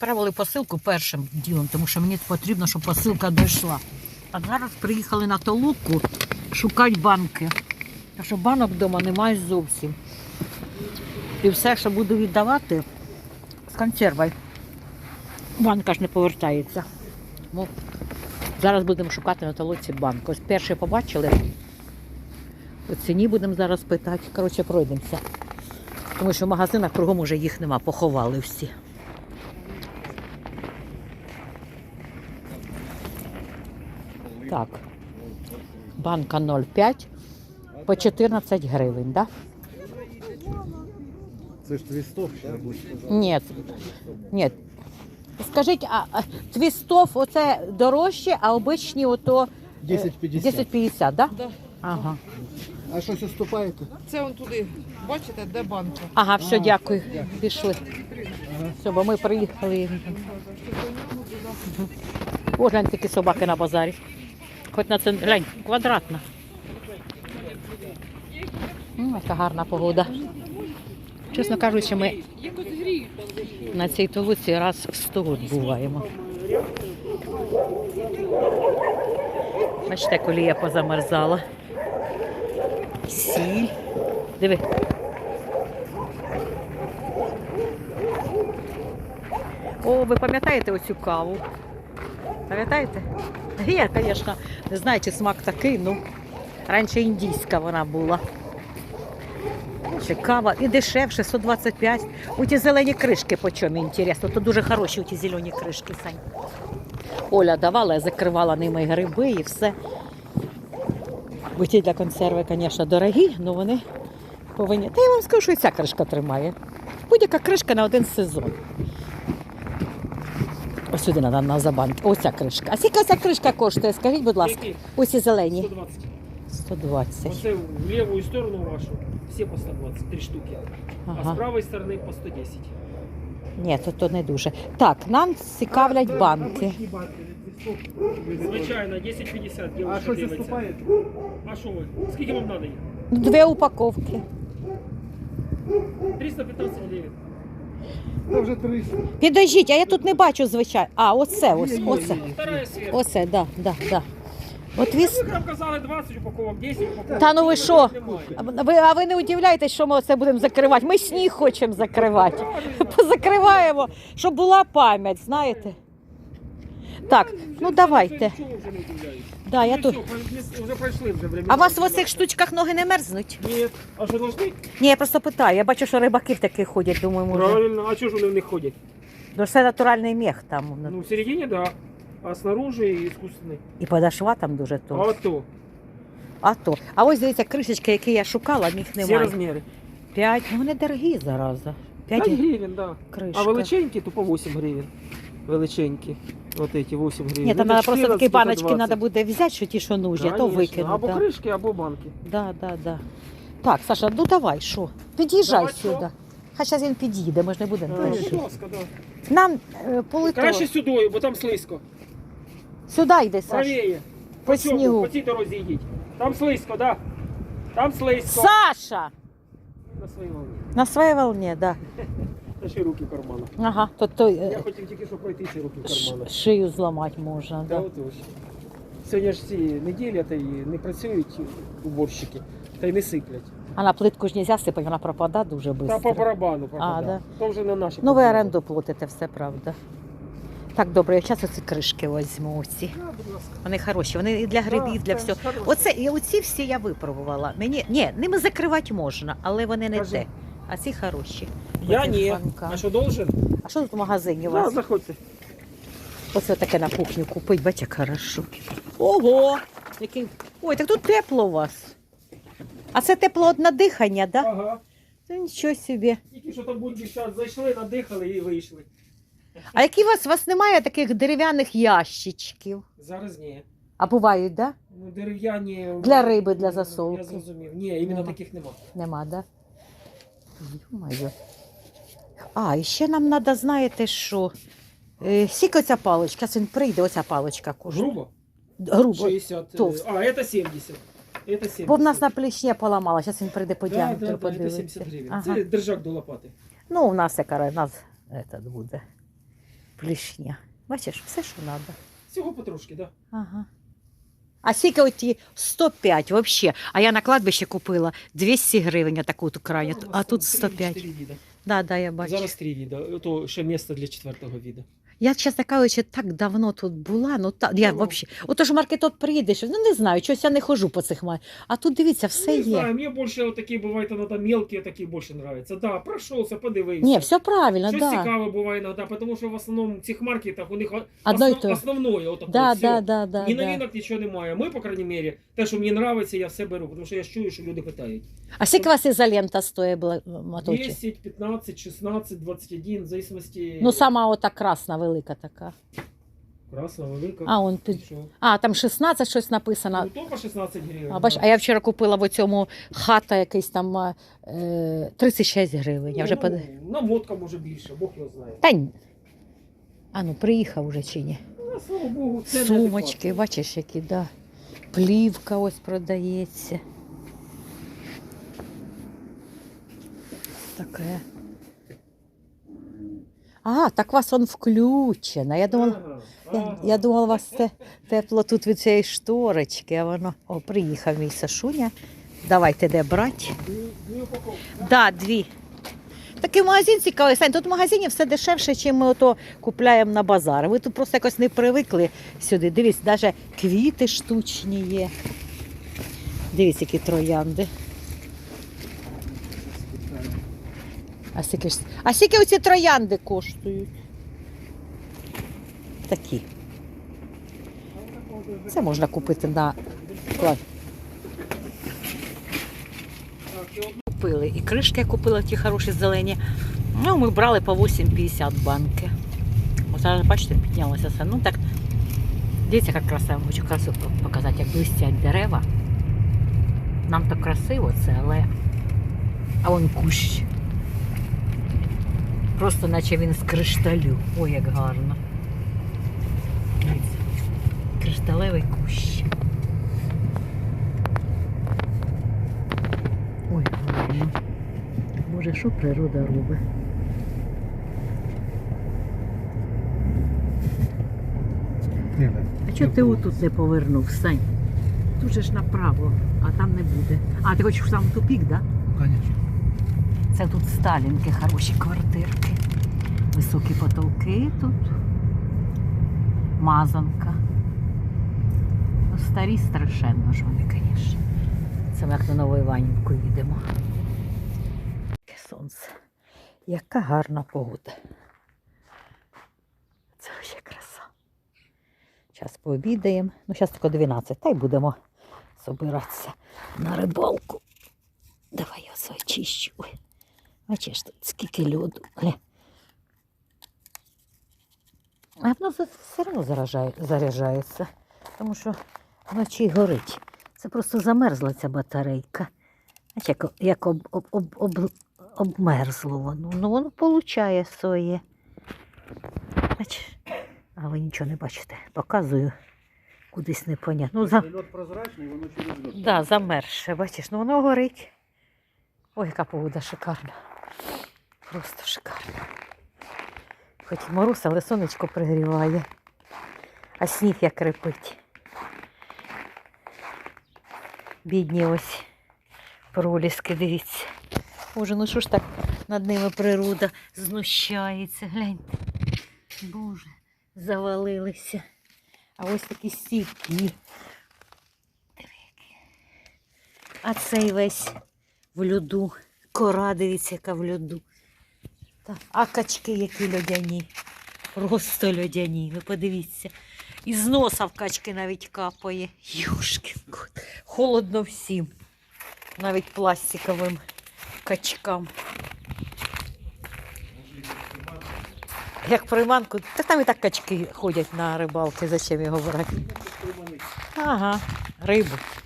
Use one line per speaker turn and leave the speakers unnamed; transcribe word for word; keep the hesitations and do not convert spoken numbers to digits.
відправили посилку першим ділом, тому що мені потрібно, щоб посилка дійшла. А зараз приїхали на толоку шукати банки. Тому що банок вдома немає зовсім. І все, що буду віддавати, з консервою. Банка ж не повертається. Ну, зараз будемо шукати на толоці банк. Ось перший побачили. По ціні будемо зараз питати. Коротше, пройдемося. Тому що в магазинах кругом уже їх нема, поховали всі. Так. Банка нуль п'ять по чотирнадцять гривень, так? Да?
Це ж твістов ще буде.
Ні. Ні. Скажіть, а а твістов оце дорожче, а обичні ото
десять п'ятдесят.
десять п'ятдесят, так? Да?
Да.
Ага.
А щось уступаєте?
Це он туди, бачите, де банка?
Ага, все,
А,
дякую.
дякую.
Пішли.
Ага.
Все, бо ми приїхали. О, глянь, такі собаки на базарі. Хоч на це, глянь, квадратна. М, яка гарна погода. Чесно кажучи, ми на цій толоці раз в сто год буваємо. Бачите, колія позамерзала. Сіль. Диви. О, ви пам'ятаєте оцю каву? Пам'ятаєте? Я, звісно, не знаю, чи смак такий, ну, раніше індійська вона була. Ще кава і дешевше, сто двадцять п'ять. У ті зелені кришки по чому, інтересно. То дуже хороші у ті зелені кришки, Сань. Оля давала, я закривала ними гриби і все. Бо ті для консерви, звісно, дорогі, але вони повинні. Та я вам скажу, що і ця кришка тримає. Будь-яка кришка на один сезон. Ось сюди треба на забанки. Ось ця кришка. А скільки ця кришка коштує? Скажіть, будь ласка.
Які?
Ось ці зелені.
сто двадцать.
сто двадцять.
Оце в левую сторону вашу все по сто двадцать, три штуки. А
Ага.
с правой стороны по сто десять.
Ні, то, то не дуже. Так, нам цікавлять банки.
Звичайно, десять пятьдесят
А
девушка
щось
дивиться.
уступаєте?
А що ви? Скільки вам надо їх?
Дві упаковки.
триста пятнадцать гривен.
Це вже триста.
Підождіть, а я тут не бачу, звичайно. А, оце, ось, оце.
Вторая сверху.
Оце, да, да, да. От віс...
Ви нам казали двадцять упаковок, десять упаковок.
Та ну ви що?
Немає.
А ви, а ви не удивляєтесь, що ми оце будемо закривати? Ми сніг хочемо закривати. Позакриваємо, щоб була пам'ять, знаєте. Так, ну давайте.
Нічого вже не удивляюсь.
Да, я
Ну,
тут.
все, вже пройшли вже времена.
А у вас в оцих штучках ноги не мерзнуть?
Ні. А що должны?
Ні, я просто питаю. Я бачу, що рибаки в таких ходять, думаю, може.
Правильно. А чого ж вони в них ходять?
Ну, це натуральний мех там.
Ну, в середине, да. А снаружи искусственный.
І подошва там дуже
А
то.
то.
А то. А ось дивіться, кришечки, які я шукала, їх
Всі
немає.
розміри.
П'ять. Ну вони дорогі зараза. П'ять
п'ять гривень, да.
кришка.
А величенькі, то по вісім гривень. Величенькі. Вот эти вісім гривень.
Ні, там
Ну,
треба
то
просто такі
чотирнадцять,
баночки
то двадцять.
треба буде взяти, що ті, що нужні, а то
Конечно.
викинути.
Або
Да.
кришки, або банки.
Да, да, да. Так, Саша, ну давай, що? Під'їжджай
Давай,
сюди.
що?
Хай зараз він під'їде, ми ж не будемо.
Ну,
перші.
будь ласка, да.
Нам е, полетіло.
Краще сюди, бо там слизько.
Сюди йди, Саш.
Правіє.
По
цьому,
снігу.
По цій дорозі йдіть. Там слизько, да. Там слизько.
Саша!
На своїй волні.
На своїй волні, да.
Та ще руки в карманах.
Ага, то, то е,
Я хотів тільки що пройти ці руки в
ш-
карманах.
шию зламати можна.
Да,
Да.
от ось. Сьогодні ж ці неділі та й не працюють уборщики, та й не сиплять.
А на плитку ж нельзя сипати, вона пропадає дуже
Та по
швидко.
барабану пропадає.
А, да.
То вже на наші.
Ну ви
проблеми.
оренду платите, все правда. Так, добре, я зараз оці кришки візьму. Оці.
Да, будь ласка.
Вони хороші, вони і для грибів, і
Да,
для
да,
всього.
хороші.
Оце, і оці всі я випробувала. Мені, ні, ними закривати можна, але вони не
Кажи.
те. А ці хороші.
Я
Оці
ні.
банка.
А що должен?
А що тут в магазині у
Да,
вас?
заходьте.
Оце таке на кухню купить, бачите, як хорошо. Ого! Який... Ой, так тут тепло у вас. А це тепло од надихання, так? Да?
Ага.
Та нічого собі.
Тільки що там будь час зайшли, надихали і вийшли.
А які у вас, у вас немає таких дерев'яних ящичків?
Зараз ні.
А бувають, так? Да?
Ну, дерев'яні.
Для риби, для засолки.
Я зрозумів. Ні, іменно
Нема.
таких нема.
Нема, да? Ё-моё. А, і ще нам треба, знаєте, що? Е, Скільки оця паличка? Зараз він прийде, оця паличка коштує.
Грубо?
Грубо.
шістдесят.
толст.
А, это сімдесят. Это сімдесят.
Бо в нас на плечні поламала, зараз він прийде по
Да,
діаметру,
да, да, это
подивиться.
сімдесят гривень.
Ага.
Це держак до лопати.
Ну, у нас яка у нас этот буде. Плішня. Бачиш, все, що треба.
Всього потрошки, так. Да.
Ага. А скільки оті сто п'ять взагалі. А я на кладбище купила двісті гривень таку ту крайню, а тут сто п'ять.
Три віда.
Да, да, я бачу.
Зараз три віда. Ото ще місце для четвертого віда.
Я, чесно кажучи, так давно тут була, ну та, я
Ну.
взагалі. Ото ж маркетот приїдеш, ну не знаю, щось я не хожу по цих май. А тут дивіться, все
не
є.
знаю, мені більше отакі бувають іноді мелкі, такі більше подобаються. Да, пройшовся, подивився.
Ні, все правильно,
Щось
да.
цікаве буває іноді, тому що в основному в цих маркетах у них
Одно й
основ,
то.
основное отаке
Да,
все.
да, да, да,
Ні
да.
новинок, нічого немає. Ми, по крайній мірі, те, що мені подобається, я все беру, тому що я ж чую, що люди питають.
А скільки у вас ізолента стоїть була моточі?
десять, пятнадцать, шестнадцать, двадцать один, в зависимости...
Ну, сама ота красна, велика така.
Красна, велика.
А, он під...
Що?
а там шістнадцять щось написано.
Ну, то по шістнадцять гривень.
А, бач, а я вчора купила в цьому хата якийсь там е, тридцять шість гривень. Я вже
ну,
под...
намотка може більше, Бог його знає.
Та ні. А ну, приїхав уже чи ні?
Ну, слава Богу, це
Сумочки,
неадекватно.
бачиш, які, да. Плівка ось продається. Таке. А, так у вас он включено. Я думала,
Ага,
я,
ага.
я думала, у вас те, тепло тут від цієї шторочки, а воно. О, приїхав мій Сашуня. Давайте де брати.
Дві, дві упаковки.
Да, дві. Такий магазин цікавий. Сань, тут в магазині все дешевше, ніж ми ото купляємо на базарі. Ви тут просто якось не привикли сюди. Дивіться, навіть квіти штучні є. Дивіться, які троянди. А скільки, ж- а скільки оці троянди коштують? Такі. Це можна купити на склад. Купили. І кришки я купила ті хороші зелені. Ну, ми брали по вісім п'ятдесят банки. Ось зараз, бачите, піднялося все. Ну так, дивіться, як красиво. Хочу красиво показати, як блистять дерева. Нам так красиво це, але... А вон кущ. Просто наче він з кришталю. Ой, як гарно. Дивіться, кришталевий кущ. Ой, гарно. Боже, що природа робить? А чого ти отут не повернув, Сань? Тут же ж направо, а там не буде. А, ти хочеш сам тупік, так? Да?
Конечно.
Це тут сталінки, хороші квартирки. Високі потолки тут. Мазанка. Ну, старі страшенно ж вони, звісно. Це ми як на Нову Іванівку їдемо. Яке сонце. Яка гарна погода. Це ще краса. Зараз пообідаємо. Ну, зараз тільки дванадцять, та й будемо збиратися на рибалку. Давай я все очищу. Ой. Бачиш, тут скільки льоду. Гля. А воно за- все одно заражає, заряджається, тому що вночі горить. Це просто замерзла ця батарейка. Бачиш, як, як об, об, об, об, обмерзло воно. Ну воно получає своє. Бачиш? А ви нічого не бачите. Показую кудись непонятно. Ну, за...
Лед прозрачний, воно через лед.
Так, да, замерзше, бачиш, ну воно горить. Ой, яка погода шикарна. Просто шикарна. Хоч і мороз, але сонечко пригріває. А сніг як репить. Бідні ось проліски, дивіться. Боже, ну що ж так над ними природа знущається. Гляньте. Боже, завалилися. А ось такі стійкі. Диви, які. А цей весь в льоду. Кора, дивіться, яка в льоду. Та, а качки які льодяні. Просто льодяні. Ви подивіться. Із носа в качки навіть капає. Юшкін кот. Холодно всім. Навіть пластиковим качкам. Як приманку. Та там і так качки ходять на рибалки. Зачем його брати? Ага, рибу.